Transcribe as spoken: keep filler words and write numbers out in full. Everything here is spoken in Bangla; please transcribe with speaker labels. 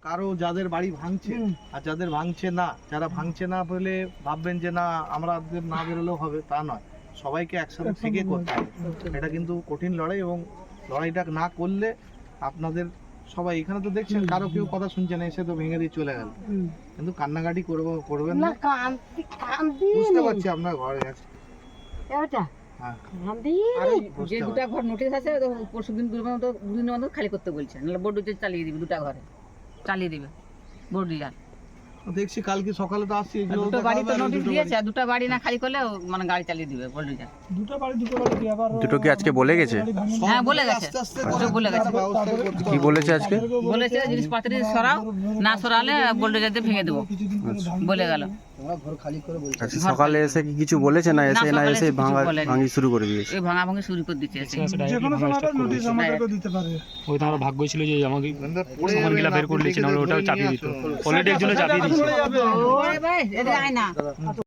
Speaker 1: কারো যাদের বাড়ি ভাঙছে আর যাদের ভাঙছে না, যারা ভাঙছে না বলে ভাববেন যে না আমাদের না বেরোলেও হবে, তা নয়। সবাইকে একসাথে থেকে করতে হবে। এটা কিন্তু কঠিন লড়াই, এবং লড়াইটা না করলে আপনাদের সবাই এখানে তো দেখছেন কারো কেউ কথা শুনছে না, এসে তো ভেঙে দিয়ে চলে গেল। কিন্তু কান্নাকাটি করবো করবেন না, বুঝতে পারছি আপনার ঘরে আছে।
Speaker 2: যে দুটা ঘর নোটিশ আছে পরশু দিন দুদিনের মধ্যে খালি করতে বলছে, নাহলে বোর্ড চালিয়ে দিবে, দুটা ঘরে চালিয়ে দিবে বোর্ড ডিলার।
Speaker 1: দেখছি কালকে সকালে তো আসছি,
Speaker 2: দুটো বাড়ি তো নোটিশ দিয়েছে, দুটো বাড়ি না খালি করলে মানে গাড়ি চালিয়ে দিবে বোর্ড ডিলার।
Speaker 3: দুটো বাড়ি দুটো বাড়ি কি আবার
Speaker 4: দুটো কি আজকে বলে গেছে?
Speaker 2: হ্যাঁ বলে গেছে, দুটো বলে গেছে।
Speaker 4: কি বলেছে আজকে?
Speaker 2: বলেছে জিনিসপত্র সরাও, না সরালে বোল্ডোজার দিয়ে ভেঙে দেবো বলে গেল।
Speaker 4: আচ্ছা, সকালে এসে কি কিছু বলেছে না এসে না এসে ভাঙা ভাঙি শুরু করে দিয়েছে?
Speaker 2: এই ভাঙা ভাঙি শুরু করে দিচ্ছে।
Speaker 3: যে কোনো সময় একটা নোটিশ আমাদেরকে দিতে পারে।
Speaker 5: ওই তো আমার ভাগ্য ছিল যে আমাকে সামানগুলা বের করে দিয়েছে, নাহলে ওটাও চাপিয়ে দিত। অলরেডি একজনে চাপিয়ে দিয়েছে।
Speaker 2: ওরে ভাই এদিকে আয় না।